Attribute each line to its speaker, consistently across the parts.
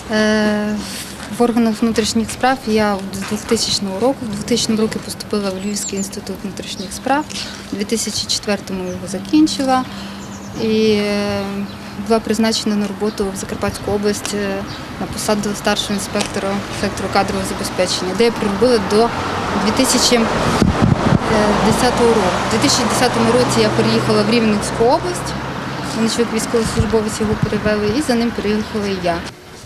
Speaker 1: В органах внутрішніх справ я з 2000 року. В 2000 році поступила в Львівський інститут внутрішніх справ, у 2004-му його закінчила і була призначена на роботу в Закарпатську область на посаду старшого інспектора сектору кадрового забезпечення, де я проробила до 2010 року. У 2010 році я переїхала в Рівненську область, мене чоловік військовослужбовець його перевели, і за ним переїхала і я.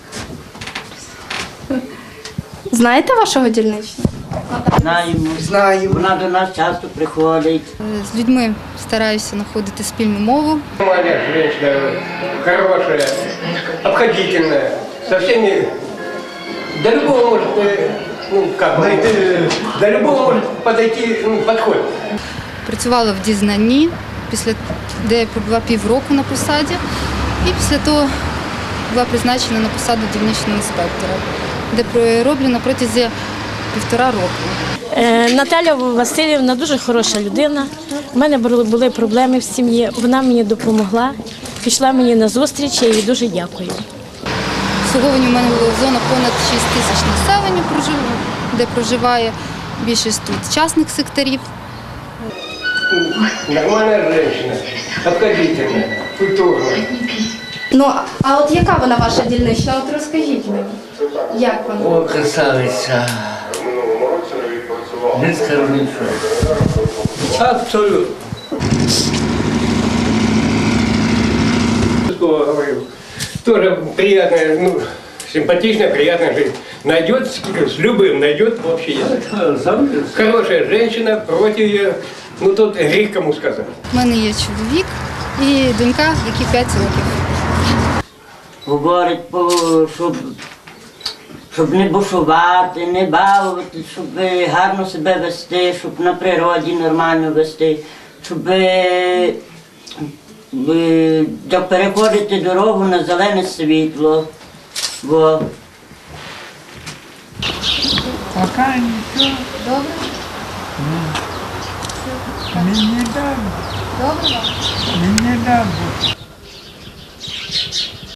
Speaker 2: Знаєте вашого дільничного?
Speaker 3: Знаємо. Вона до нас часто приходить.
Speaker 1: З людьми стараюся знаходити спільну мову.
Speaker 4: Нормальная женщина, хорошая, обходительная, со всеми, до любого может, до любого может подойти, подходит.
Speaker 1: Працювала в дізнанні, де я пробула півроку на посаді, і після того була призначена на посаду дільничного інспектора, де пророблю на протязі 1,5 року.
Speaker 5: Наталя Васильівна дуже хороша людина. У мене були проблеми в сім'ї, вона мені допомогла, пішла мені на зустріч, я їй дуже дякую.
Speaker 1: Обслуговування в мене було зона понад 6 тисяч населення, де проживає більшість тут частних секторів.
Speaker 4: Нормальная женщина, обходительная, культурная.
Speaker 2: Ну, а от яка вона ваша дільнична? От розкажіть мені, як вона?
Speaker 6: О, красавиця. Не скажу нічого.
Speaker 4: Абсолютно. Говорю, тоже приятная, симпатичная, приятная жизнь. Найдет, с любым найдет общий язык. Хорошая женщина, против ее, тут грех кому сказать.
Speaker 1: У мене є чоловік і донька, якій 5 років.
Speaker 3: Говорить, щоб не бушувати, не балувати, щоб гарно себе вести, щоб на природі нормально вести, щоб переходити дорогу на зелене світло. Бо...
Speaker 7: Пока нічого.
Speaker 1: Добре?
Speaker 7: Мені дам.
Speaker 1: Добре вам?
Speaker 7: Мені дам.